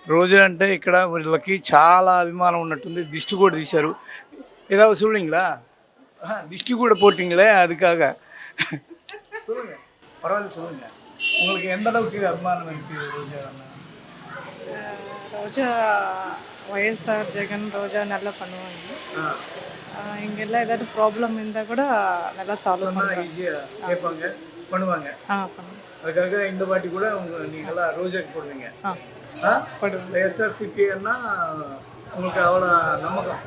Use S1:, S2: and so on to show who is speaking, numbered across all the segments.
S1: రోజా అంటే ఇక్కడ వీళ్ళకి చాలా అభిమానం ఉన్నట్టుంది. దిష్టి కూడా తీశారు. ஏதாவது சொல்லுவீங்களா? திஷ்டி கூட போட்டிங்களே அதுக்காக. சொல்லுங்க. பரவாயில்ல சொல்லுங்க. உங்களுக்கு எந்த அளவுக்கு அபிமானம் இருக்கு ரோஜா அண்ணா?
S2: ரோஜா ஒய்எஸ்ஆர் ஜெகன் ரோஜா நல்லா பண்ணுவாங்க. இங்கெல்லாம் ஏதாவது ப்ராப்ளம் இருந்தால் கூட நல்லா சால்வ் பண்ணுவாங்க.
S1: ஈஸியாக கேட்பாங்க, பண்ணுவாங்க.
S2: பண்ணுவாங்க.
S1: அதுக்காக இந்த வாட்டி கூட நீங்களாம் ரோஜாக்கு போடுவீங்க.
S2: போடுவாங்க.
S1: ఎస్ఆర్సిపి అన్నా உங்களுக்கு అவ்வளோ నమ్మకం.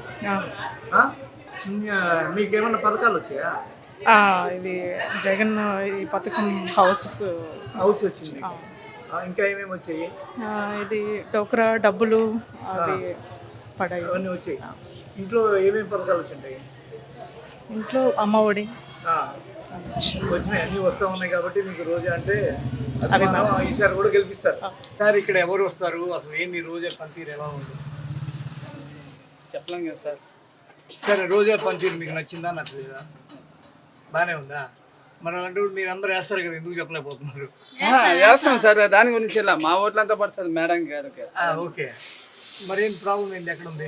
S1: మీకేమన్నా పథకాలు వచ్చాయా?
S2: ఇది జగన్ ఈ పథకం హౌస్
S1: వచ్చింది. ఇంకా ఏమేమి వచ్చాయి?
S2: ఇది డోక్రా డబ్బులు అవి పడాయి,
S1: అవన్నీ వచ్చాయి. ఇంట్లో ఏమేమి పథకాలు వచ్చింటాయి?
S2: ఇంట్లో అమ్మఒడి
S1: వచ్చినాయి, అన్నీ వస్తూ ఉన్నాయి. కాబట్టి మీకు రోజా అంటే అభిమానం. ఈసారి కూడా గెలిపిస్తారు. సార్ ఇక్కడ ఎవరు వస్తారు? అసలు ఏంది రోజా పనితీరు ఎలా ఉంది?
S3: చెప్పలేం కదా సార్.
S1: సరే, రోజా పనితీరు మీకు నచ్చిందా నచ్చలేదా? బాగానే ఉందా? మనం అంటూ మీరు అందరూ వేస్తారు కదా, ఎందుకు చెప్పలేకపోతున్నారు?
S3: వేస్తాం సార్, దాని గురించి ఇలా మా ఓట్లంతా పడుతుంది మేడం గారికి.
S1: ఓకే, మరి ఏం ప్రాబ్లం ఏంటి? ఎక్కడ ఉంది?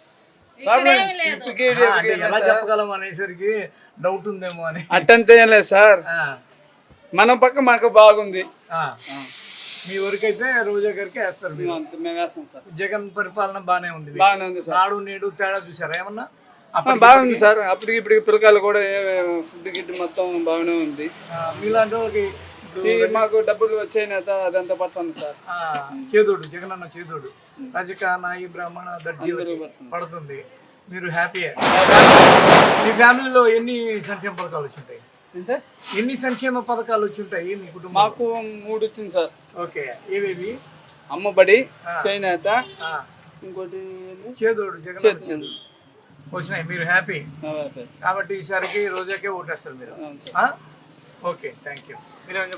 S1: ఎలా చెప్పగలం అనేసరికి డౌట్ ఉందేమో అని.
S3: అట్టంతే ఏం లేదు సార్, మన పక్క మాకు బాగుంది.
S1: మీ ఊరికైతే రోజా గారికి వేస్తారు మీరు?
S3: మేము వేస్తాం సార్.
S1: జగన్ పరిపాలన బాగానే ఉంది.
S3: బాగానే ఉంది సార్.
S1: నాడు నేడు తేడా చూసారా ఏమన్నా?
S3: బాగుంది సార్. అప్పటికి ఇప్పుడు పిల్లకాయలు కూడా ఫుడ్ గిట్ మొత్తం బాగానే ఉంది.
S1: మీలాంటి వాళ్ళకి
S3: మాకు డబ్బులు వచ్చే నేత అదంతా పడుతుంది సార్.
S1: చేదోడు జగన్ అన్న చేదోడు రజక నాయి బ్రాహ్మణ దర్జీ పడుతుంది. మీరు హ్యాపీయే? మీ ఫ్యామిలీలో ఎన్ని సంక్షేమ పథకాలు వచ్చింటాయి
S3: సార్?
S1: ఎన్ని సంక్షేమ పథకాలు వచ్చింటాయి మీ కుటుంబం?
S3: మాకు 3 వచ్చింది సార్.
S1: ఓకే, ఏవేవి?
S3: అమ్మబడి, చేనేత, ఇంకోటి
S1: చేదోడు జగన్ వచ్చినాయి. మీరు హ్యాపీ కాబట్టి ఈసారికి రోజాకే ఓటేస్తారు మీరు. Okay, thank you. మీరు